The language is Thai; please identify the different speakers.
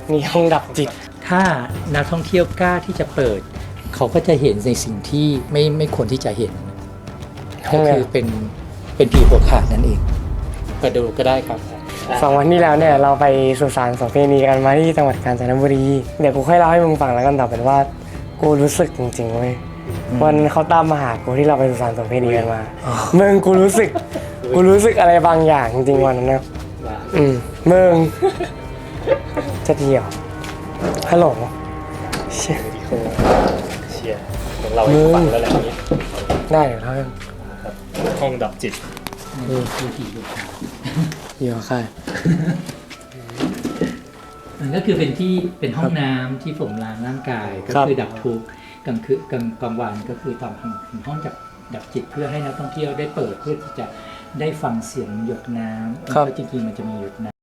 Speaker 1: มีห้องดับจิต
Speaker 2: ถ้านักท่องเที่ยวกล้าที่จะเปิดเขาก็จะเห็นในสิ่งที่ไม่ควรที่จะเห็นก็คือเป็นผีหัวขาดนั่นเองไปดูก็ได้ครับ
Speaker 1: 2 วันที่แล้วเนี่ยเราไปสุสานโสเภณีกันมาที่จังหวัดกาญจนบุรีเดี๋ยวกูค่อยเล่าให้มึงฟังแล้วกันต่อเป็นว่ากูรู้สึกจริงๆเว้ยวันเขาตามมาหากูที่เราไปสุสานโสเภณีกันมามึงกูรู้สึกอะไรบางอย่างจริงๆวันนั้นนะมึงจะเที่ยวฮัลโหล
Speaker 3: เชียร์ของเราให้ฟังแล้วแหละนี้
Speaker 1: ได้เดี๋ยวเล่า
Speaker 3: ห้องดับจิต
Speaker 2: คือผีหัวขาด
Speaker 1: เดี๋ยวค่ะ
Speaker 2: มันก็คือเป็นห้องน้ำที่ผมล้างร่างกายก็คือดับทุกข์กลางวันก็คือทำห้องดับจิตเพื่อให้นักท่องเที่ยวได้เปิดเพื่อที่จะได้ฟังเสียงหยดน้ำเพราะจริงๆมันจะมีหยดน้ำ